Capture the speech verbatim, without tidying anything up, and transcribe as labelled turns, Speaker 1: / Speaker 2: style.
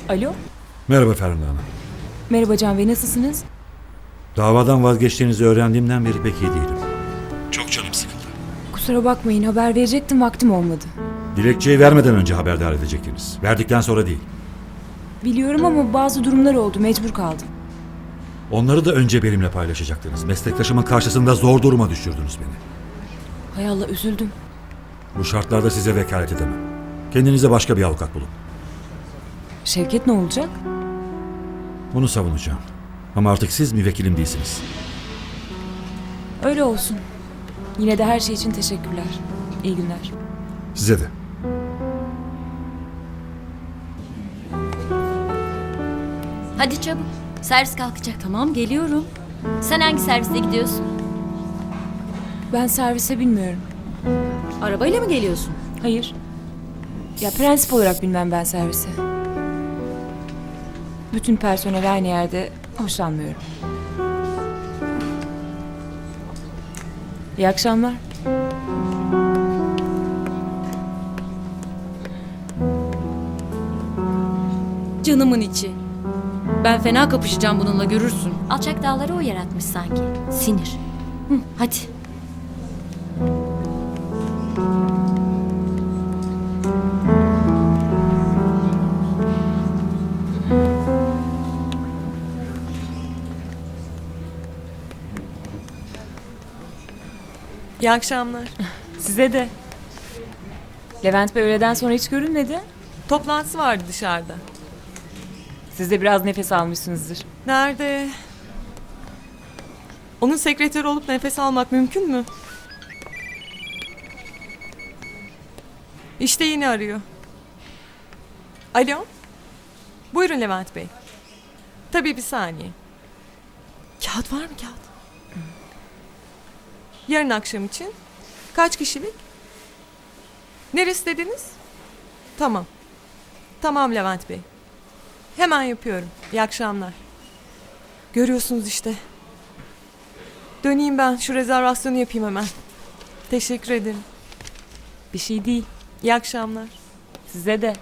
Speaker 1: Alo.
Speaker 2: Merhaba Ferhunda Hanım.
Speaker 1: Merhaba Can Bey, nasılsınız?
Speaker 2: Davadan vazgeçtiğinizi öğrendiğimden beri pek iyi değilim. Çok canım sıkıldı.
Speaker 1: Kusura bakmayın, haber verecektim, vaktim olmadı.
Speaker 2: Dilekçeyi vermeden önce haberdar edecektiniz. Verdikten sonra değil.
Speaker 1: Biliyorum ama bazı durumlar oldu, mecbur kaldım.
Speaker 2: Onları da önce benimle paylaşacaktınız. Meslektaşımın karşısında zor duruma düşürdünüz beni.
Speaker 1: Hay Allah, üzüldüm.
Speaker 2: Bu şartlarda size vekalet edemem. Kendinize başka bir avukat bulun.
Speaker 1: Şevket ne olacak?
Speaker 2: Bunu savunacağım. Ama artık siz müvekkilim değilsiniz.
Speaker 1: Öyle olsun. Yine de her şey için teşekkürler. İyi günler.
Speaker 2: Size de.
Speaker 3: Hadi çabuk. Servis kalkacak. Tamam, geliyorum. Sen hangi serviste gidiyorsun?
Speaker 1: Ben servise bilmiyorum.
Speaker 3: Arabayla mı geliyorsun?
Speaker 1: Hayır. Ya prensip olarak bilmem ben servise. Bütün personel aynı yerde, hoşlanmıyorum. İyi akşamlar.
Speaker 4: Canımın içi. Ben fena kapışacağım bununla, görürsün.
Speaker 3: Alçak dağları o yaratmış sanki. Sinir. Hı, hadi.
Speaker 5: İyi akşamlar.
Speaker 1: Size de. Levent Bey öğleden sonra hiç görünmedi.
Speaker 5: Toplantısı vardı dışarıda.
Speaker 1: Siz de biraz nefes almışsınızdır.
Speaker 5: Nerede? Onun sekreteri olup nefes almak mümkün mü? İşte yine arıyor. Alo? Buyurun Levent Bey. Tabii bir saniye. Kağıt var mı kağıt? Yarın akşam için. Kaç kişilik? Neresi dediniz? Tamam. Tamam Levent Bey. Hemen yapıyorum. İyi akşamlar. Görüyorsunuz işte. Döneyim ben. Şu rezervasyonu yapayım hemen. Teşekkür ederim.
Speaker 1: Bir şey değil.
Speaker 5: İyi akşamlar.
Speaker 1: Size de.